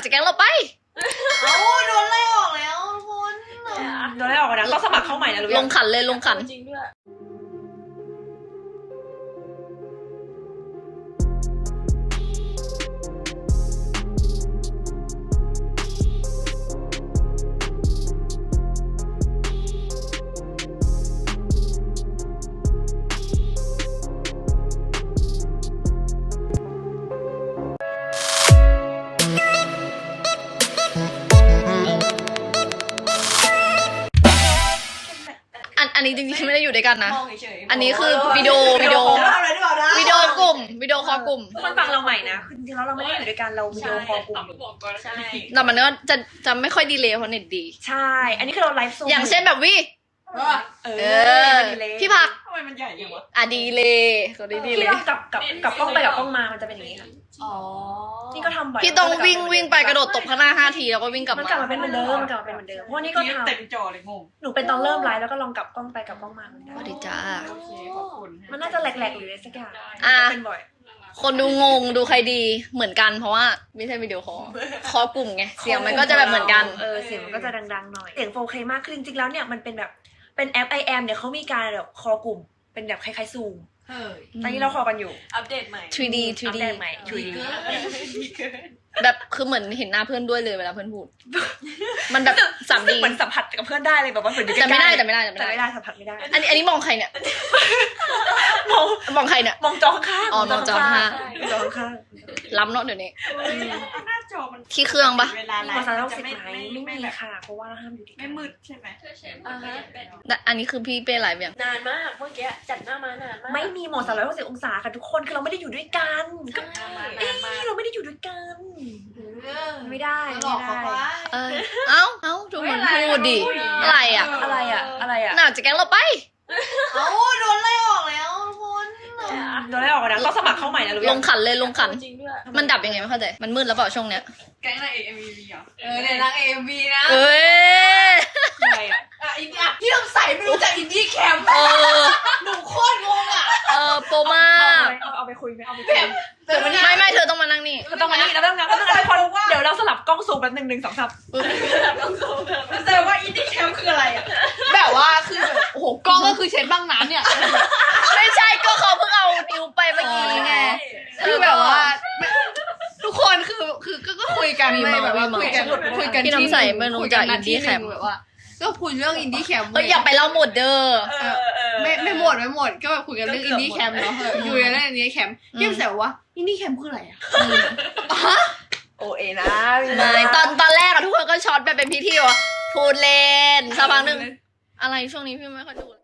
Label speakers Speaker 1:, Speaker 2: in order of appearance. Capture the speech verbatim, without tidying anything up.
Speaker 1: จากแก๊งเราไป
Speaker 2: เอ้าโดนไล่ออกแล้วทุกคน
Speaker 3: โดนไล่ออกนะต้องสมัครเข้าใหม่นะรู้ยัง
Speaker 1: ลงขันเลยลงขัน
Speaker 2: จริงด้วย
Speaker 1: อันนี้จริงๆไม่ได้อยู่ด้วยกันนะ
Speaker 2: มองเฉยๆ
Speaker 1: อันนี้คือวิดีโอวิดีโอ
Speaker 2: อะไรดีกว่านะ
Speaker 1: วิดีโอกลุ่มวิดีโอคอลกลุ่ม
Speaker 3: คนฟังเราใหม่นะคือจริงๆแล้วเราไม่ได้อยู่ด้วยกันเราวิดีโอคอลกลุ่ม
Speaker 2: ใช่
Speaker 1: แต่มันก็จะจะไม่ค่อยดีเลยเพราะเน็ตดี
Speaker 3: ใช่ อันนี้คือเราไลฟ์โซ
Speaker 1: อย่างเช่นแบบวิ
Speaker 3: เอ
Speaker 1: เอ
Speaker 3: อ
Speaker 1: อ
Speaker 3: ดีเลย
Speaker 1: พี่ผัก
Speaker 2: ทำไมมันใหญ่จังวะ
Speaker 1: อ่ะดีเลยก็ดีดีเล
Speaker 3: ที่
Speaker 1: ย
Speaker 3: เรากับกับกับกล้องไปกับกล้องมามันจะเป็นอย่างนี้ค่ะ
Speaker 2: อ๋อ
Speaker 3: นี่ก็ทำบ่อย
Speaker 1: พี่ต้องวิ่งวิ่งไปกระโดดตบข้างหน้าห้าทีแล้วก็วิ่งกลับ
Speaker 3: มัน
Speaker 1: มาก
Speaker 3: ลับมาเป็นเหมือนเดิมมันกลับมาเป็นเหมือนเดิมเพราะว่านี่ก็ท
Speaker 2: เต็มจอเลยงง
Speaker 3: ำหนูเป็นตอนเริ่มไลฟ์แล้วก็ลองกลับกล้องไปกับกล้องมาเหมือนกัน
Speaker 1: สวัสดีจ้า
Speaker 2: โอเคขอบคุณ
Speaker 3: มันน่าจะแหลกๆหรืออะไรสักอย่าง
Speaker 1: อ่ะ
Speaker 3: เป็นบ่อย
Speaker 1: คนดูงงดูใครดีเหมือนกันเพราะว่าไม่ใช่วิดีโอคอลคอลกลุ่มไงเสียงมันก็จะแบบเหมือนกัน
Speaker 3: เออเสียงมันก็จะดังๆหน่อยเสียง โฟร์เค มากคือจริงๆแล้วเนี่ยมันเป็นแบบเป็นแอป ไอ แอม เนี่ยเขามีการแบบคอลกลุ่มเป็นแบบคล้ายๆซูม
Speaker 2: เฮ้ย
Speaker 3: ตอนนี้เราคอลกันอยู่
Speaker 2: อัปเดตใหม่
Speaker 1: ทรีดี ทรี
Speaker 3: อัป
Speaker 1: ดี
Speaker 3: เดตใหม่ ทรี ดี
Speaker 2: ดีเกิน
Speaker 1: แบบคือเหมือนเห็นหน้าเพื่อนด้วยเลยเวลาเพื่อนพูด มันแบบสามดี
Speaker 3: เหมือนสัมผัสกับเพื่อนได้เลยแบบว่าเหมือนอยู่ใก
Speaker 1: แต่
Speaker 3: ล้ๆ
Speaker 1: ไม่ได้แต่ไม่ได้แต่
Speaker 3: แต่
Speaker 1: ไม่
Speaker 3: ไม่
Speaker 1: ได้
Speaker 3: ได้สัมผัสไม่ได้
Speaker 1: อันนี้อันนี้มองใครเนี่ย
Speaker 3: มอง
Speaker 1: มองใครเนี่ย
Speaker 3: มองจอข้างๆ
Speaker 1: อ๋อมองจอข้าง
Speaker 3: มองจอข้าง
Speaker 1: ล้ำเนาะเดี๋ยวนี้
Speaker 2: หน้าจอมัน
Speaker 1: ที่เครื่องปะ
Speaker 2: เวลา
Speaker 3: ๆ
Speaker 2: ไล
Speaker 3: ภา
Speaker 2: ฟ์
Speaker 3: ษา
Speaker 2: มั
Speaker 3: เรา
Speaker 2: นจะ
Speaker 3: สิบ
Speaker 2: ไม่
Speaker 3: ไหม
Speaker 2: ไม่
Speaker 3: ไม่
Speaker 2: ไม่
Speaker 3: มี
Speaker 2: แบบ
Speaker 3: ค่ะเพราะว่าเราห้ามอยู่ด้วยกั
Speaker 2: ไม่
Speaker 3: น
Speaker 2: มืดใช่ไหม
Speaker 4: อ่าฮะ
Speaker 1: แต่อันนี้คือพี่เป้ไลฟ์ยัง
Speaker 4: นานมากเมื่อกี้จัดหน้ามานานมาก
Speaker 3: ไม่มีโหมดสามร้อยหกสิบองศาค่ะทุกคนคือเราไม่ได้อยู่ด้วยกันก็
Speaker 4: ใช่
Speaker 3: เอ้ยเราไม่ได้อยู่ด้วยกัน ไม่ได้
Speaker 2: หลอกเขา
Speaker 3: ไม่
Speaker 2: ไป
Speaker 3: ได้
Speaker 1: เออเอ้าเอ้าทุกคนพูดดิอะไรอ่ะ
Speaker 3: อะไรอะอะไรอะ
Speaker 1: หน่าจากแก๊งเราไป
Speaker 2: เอ้าโดนไล่ออกแล้วทุกคน
Speaker 3: โดนไล่ออกนะต้องสมัครเข้าใหม่นะรู้
Speaker 1: ล
Speaker 3: ยัง
Speaker 1: งขันเลยลงขัน
Speaker 4: จริงด้วย
Speaker 1: มันดับยังไงไม่เข้าใจมันมืดแล้วเปล่าช่วงเนี้ย
Speaker 2: แก๊งนางเอกเอ็มวีเหรอเออเนี่ยนางเอกเอ็มวีนะ
Speaker 1: เอ้ย
Speaker 3: อะไรอะ
Speaker 2: อ่ะอินดี้พี่ต้องใส่ไม่รู้จักอินดี้แคมป์
Speaker 1: เออ
Speaker 2: หนูโคตรงงอ่ะ
Speaker 1: เออโปรมาก
Speaker 3: เอาเอาไปคุยไหมเอาไปคุย
Speaker 2: เดี๋ยวมัน
Speaker 1: ไม่ไม่เธอต้องมานั่งนี่
Speaker 3: ก็ต้องมานี่แล้วต้องงั้นก็ต้องทุกคนเดี๋ยวเราสลับกล้องซูมแป๊บหนึ่งหนึ่งสองสาม
Speaker 2: แสดงว่าอินดี้แคมป์คืออะไรอ่ะ
Speaker 5: แบบว่าคือแบบโอ้โหกล้องก็คือเช็ดบ้างน้ำเนี่ย
Speaker 1: ไม่ใช่ก็เขาเพิ่งเอานิ้วไปเมื่อกี้ไง
Speaker 5: คือแบบว่าไม่ทุกคนคือคือก็ก็คุยกัน
Speaker 1: มี
Speaker 5: ไม่
Speaker 1: เมา
Speaker 5: แบบว่า
Speaker 1: มีเมา
Speaker 5: คุยกันคุยกัน
Speaker 1: พี่น้ำใส
Speaker 5: ที่ห
Speaker 1: ไม่รู้
Speaker 5: คุย
Speaker 1: จัก
Speaker 5: นัดที่
Speaker 1: Indie
Speaker 5: หนึ่ง
Speaker 1: Camp
Speaker 5: แบบว่า ก็คุยเรื่องอินดี้แคมป์
Speaker 1: เอ้ยอย่าไปเล่าหมดเด้อ
Speaker 3: เออเออ
Speaker 5: ไม่ไม่หมดไม่หมดก็แบบคุยกันเรื่องอินดี้แคมป์เนาะเอออยู่ในเรื่องอินดี้แคมป์พี่แซวว่าอินดี้แคมป์คืออะไรอ่ะ
Speaker 3: โอเอนะ
Speaker 1: ไม่ตอนตอนแรกอะทุกคนก็ช็อตแบบเป็นพิธีว่าพูดเล่นสักพักหนึ่งอะไรช่วงนี้พี่ไม่ค่อยดู